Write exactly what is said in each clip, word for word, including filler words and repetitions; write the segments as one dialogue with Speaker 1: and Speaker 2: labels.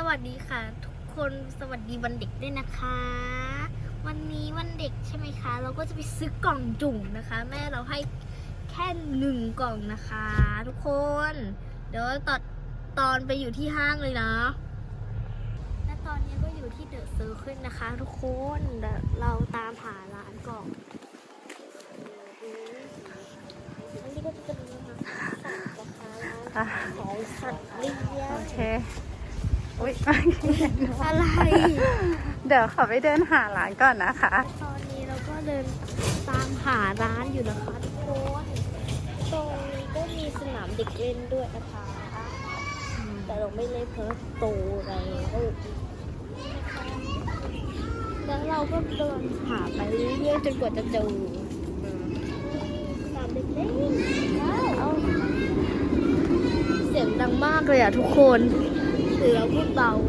Speaker 1: วัสดีค่ะทุกคนสวัสดีวันเด็กด้วยนะคะวันนี้วันเด็กใช่ไหมคะเราก็จะไปซื้อกล่องจุ่มนะคะ แม่เราให้แค่หนึ่งกล่องนะคะ ทุกคนเดี๋ยวตอนตอนไปอยู่ที่ห้างเลยนะและตอนนี้ก็อยู่ที่เดอะเซอร์เคิลนะคะ ทุกคนเดี๋ยวเราตามหาร้านกล่องอันนี้ก็จะเป็นนะคะสัตว์นะคะร้านของสัตว์เลี้ยง
Speaker 2: โอเคอุ๊ย
Speaker 1: อะไร
Speaker 2: เดี๋ยวขอไปเดินหาร้านก่อนนะคะ
Speaker 1: ตอนนี้เราก็เดินตามหาร้านอยู่นะคะทุกคนตรงนี้ก็มีสนามเด็กเล่นด้วยนะคะแต่เราไม่เล่นเพราะโตแล้วแล้วเราก็เดินหาไปเรื่อยๆจนกว่าจะเจอสนามเด็กเล่นว้าวเสียงดังมากเลยอ่ะทุกคนหรือเราพูดเบา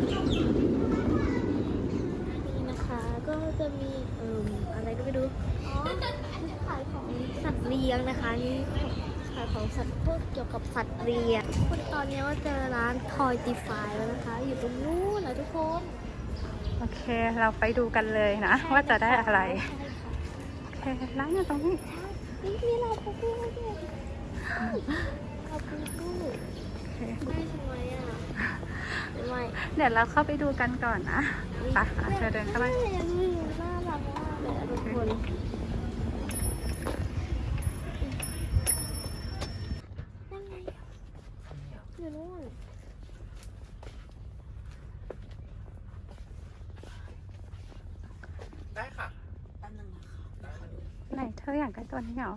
Speaker 1: ก็จะมีเอ่ออะไรก็ไม่รู้อ๋อขายของสัตว์เลี้ยงนะคะนี่ขายของสัตว์พวกเกี่ยวกับสัตว์เลี้ยงคนตอนนี้ว่าเจอร้านทอยตีไฟแล้วนะคะ อยู่ตรงนู้นนะทุกคน
Speaker 2: โอเคเราไปดูกันเลยนะว่าจะได้อะไรโอเคร้านอยู่ตรงนี้
Speaker 1: นี่มีเราปูปูด้วยเราปูปูได้ทำไมอ่ะไม่
Speaker 2: เดี๋ยวเราเข้าไปดูกันก่อนนะไปเธอเดินเข้าไป
Speaker 1: น่ารักมากเลยทุกคนนั่นไงอยู่นู่น
Speaker 3: ได้ค่ะ
Speaker 1: อันนึงนะคะ
Speaker 2: ไหนเธออยากได้ตัวนี้เหรอ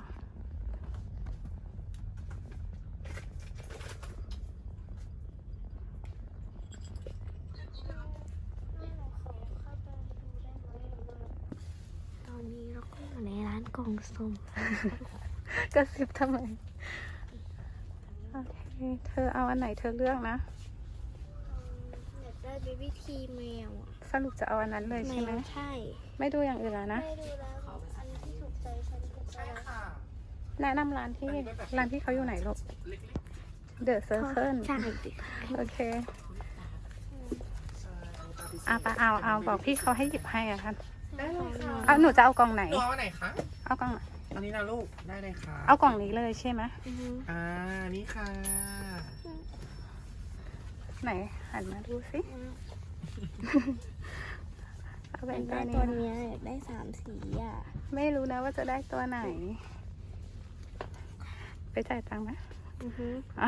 Speaker 1: ตอนนี้เราก็อยู่ในร้านกล่องสุ่ม
Speaker 2: กระซิบทำไมโอเคเธอเอาอันไหนเธอเลือกนะ
Speaker 1: อยากได้เบบี้ทีแมวอ่ะ
Speaker 2: สรุปจะเอาอันนั้นเลย
Speaker 1: แม
Speaker 2: ใช่ไหม
Speaker 1: วใช่
Speaker 2: ไม่ดูอย่างอื่นแล้วนะ
Speaker 1: ไม่ดูแล้วอันที่ถูกใจฉันก็จะ
Speaker 3: ใช่ค่ะ
Speaker 2: แนะนำร้านที่ร้านที่เขาอยู่ไหนลูก เดอะเซอร์เคิล
Speaker 1: ใช่ดิ
Speaker 2: โอเคเอาไปเอาเอาบอกพี่เขาให้หยิบให้อะค่ะ
Speaker 3: ได้เลยค่ะ
Speaker 2: เอาหนูจะเอากล่องไหน
Speaker 3: ตัวเอาไหนคะ
Speaker 2: เอากล่องไหน
Speaker 3: อันนี้นะลูก ได้เลยค่ะ
Speaker 2: เอากล่องนี้เลยใช่ไหม
Speaker 1: อือฮึ
Speaker 3: อ่า นี่ค่ะ
Speaker 2: ไหนหันมาดูสิเอา
Speaker 1: อ
Speaker 2: เป็น
Speaker 1: ยาก
Speaker 2: ตั
Speaker 1: ได้
Speaker 2: วนี้
Speaker 1: ตัวเนี้ยอยากได้สามสีอ่ะ
Speaker 2: ไม่รู้นะว่าจะได้ตัวไหน ไปจ่ายตังค์ไหม
Speaker 1: อือฮึ
Speaker 2: อ่ะ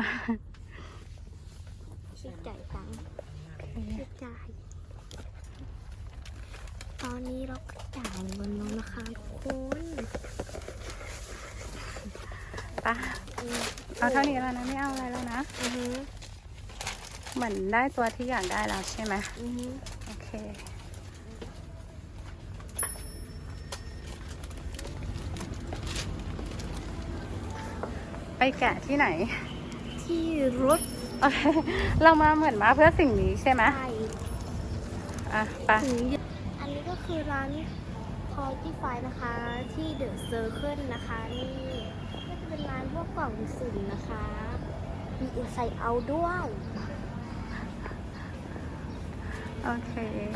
Speaker 1: คิดจ่ายตังค์
Speaker 2: โอเค
Speaker 1: คิดจ่าย ตอนนี้เราก็จ่ายเงินแล้วนะคะทุกคน
Speaker 2: ไปเอาเท่านี้แล้วนะไม่เอาอะไรแล้วนะ
Speaker 1: อือฮึ
Speaker 2: เหมือนได้ตัวที่อยากได้แล้วใช่ไหม
Speaker 1: อือฮึ
Speaker 2: โอเคไปแกะที่ไหน
Speaker 1: ที่รถ
Speaker 2: โอเคเรามาเหมือนมาเพื่อสิ่งนี้ใช่ไหม
Speaker 1: ไฟ
Speaker 2: อ่ะไป
Speaker 1: ถึงอันนี้ก็คือร้านทอยที่ไฟนะคะ ที่เดอะเซอร์เคิลนะคะ นี่ก็จะเป็นร้านพวกกล่องสุ่มนะคะ มีอินไซด์เอาด้วย
Speaker 2: โอเค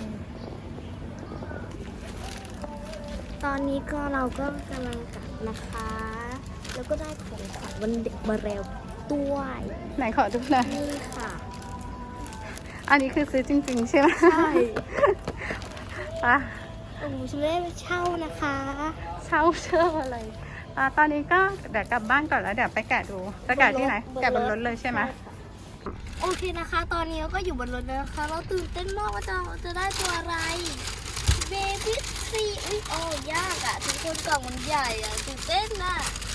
Speaker 1: ตอนนี้ก็เราก็กำลังกลับนะคะ แล้วก็ได้ของขวัญวันเด็กมาแล้วด้วย
Speaker 2: ไหนขอดูหน่อย
Speaker 1: นี่ค่ะ
Speaker 2: อันนี้คือซื้อจริงๆใช่ไหม
Speaker 1: ใช่
Speaker 2: ปะ
Speaker 1: โอ้โหฉันไม่ได้ไปเช่านะคะ
Speaker 2: เช่าเชื่ออะไรอ่ะตอนนี้ก็เดี๋ยวกลับบ้านก่อนแล้วเดี๋ยวไปแกะดู จะแกะที่ไหน แกะบนรถเลยใช่ไหม
Speaker 1: โอเคนะคะ ตอนนี้เราก็อยู่บนรถแล้วนะคะ เราตื่นเต้นมากว่าจะจะได้ตัวอะไร เบบี้ทรีอุ้ยโอ้ยากอะทุกคนกล่องมันใหญ่อะตื่นเต้นอะ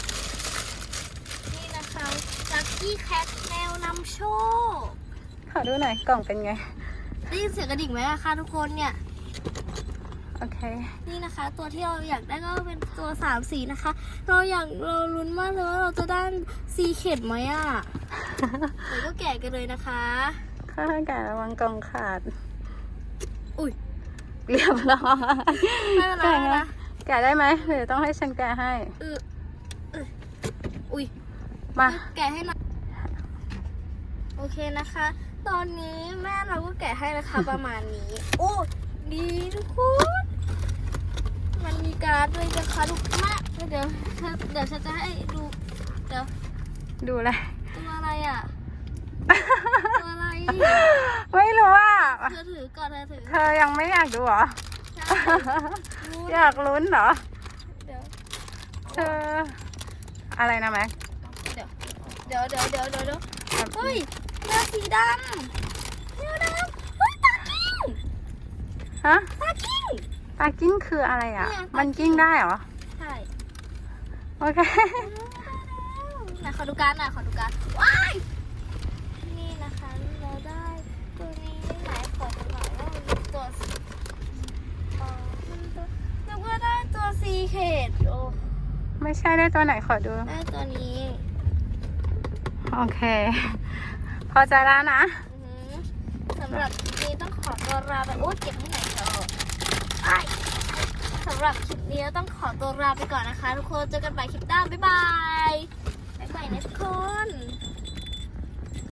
Speaker 1: นี่นะคะลัคกี้แคทแมวนำโชค
Speaker 2: ขอดูหน่อยกล่องเป็นไง
Speaker 1: ได้ยินเสียงกระดิ่งไหมอะคะทุกคนเนี่ย
Speaker 2: โอเค
Speaker 1: นี่นะคะ ตัวที่เราอยากได้ก็เป็นตัวสามสีนะคะ เราอยากเราลุ้นมากเลยว่าเราจะได้สีเข็ดไหมอะเดี๋ยวก็แกะกันเลยนะคะ
Speaker 2: ข้าแกะระวังกล่องขาด
Speaker 1: อุ้ย
Speaker 2: เรียบร้อย
Speaker 1: ไม่เป็นไร
Speaker 2: แกะ
Speaker 1: ไม่เป็น
Speaker 2: ไง
Speaker 1: ไร
Speaker 2: แกะได้ไหมหรือต้องให้ฉันแกะให้
Speaker 1: เออเอออุ้ย
Speaker 2: มา
Speaker 1: แกะให้หน่อยโอเคนะคะ ตอนนี้แม่เราเขาก็แกะให้ราคาประมาณนี้ โอ้ดีทุกคน มันมีการ์ดด้วยนะคะลูกมากเดี๋ยวเดี๋ยวฉันจะให้ดูเดี๋ยว
Speaker 2: ดูอะไร
Speaker 1: ตัวอะไรอ่ะ ตัวอะไร
Speaker 2: ไม่รู้อ่ะ
Speaker 1: เธอถือก่อนเธอถือ
Speaker 2: เธอยังไม่อยากดูเหรอ
Speaker 1: ใช่รู้
Speaker 2: อยากลุ้นเหรอ
Speaker 1: เดี๋ยว
Speaker 2: เธอ อะไรนะแม็ก
Speaker 1: เดี๋ยวเดี๋ยวเดี๋ยวเดี๋ยวเดี๋ยวเดี๋ยวเฮ้ยเนื้อสีดำเนื้อดำเฮ้ยตากิ้ง
Speaker 2: ฮะ
Speaker 1: ตากิ้ง
Speaker 2: ปลากิ้งคืออะไรอ่ะ
Speaker 1: เนี่ยปลากิ้ง
Speaker 2: มันกิ้งได้เหรอ
Speaker 1: ใช่
Speaker 2: โอเค
Speaker 1: ไหนขอดูการ์ดหน่อยขอดูการ์ดว้ายนี่นะคะเราได้ตัวนี้ไหนขอดูหน่อยว่ามันเป็นตัวเอ่อมันตัวแล้วก็ได้ตัวซีเคดโอ้
Speaker 2: ไม่ใช่ได้ตัวไหนขอดู
Speaker 1: ได้ตัวนี้
Speaker 2: โอเค พอใจแล้วนะ
Speaker 1: อือหือสำหรับคลิปนี้ต้องขอตัวลาไปโอ้เก็บให้ไหนอยเถอะไอ้สำหรับคลิปนี้ต้องขอตัวลาไปก่อนนะคะ ทุกคนเจอกันใหม่คลิปหน้าบ๊ายบาย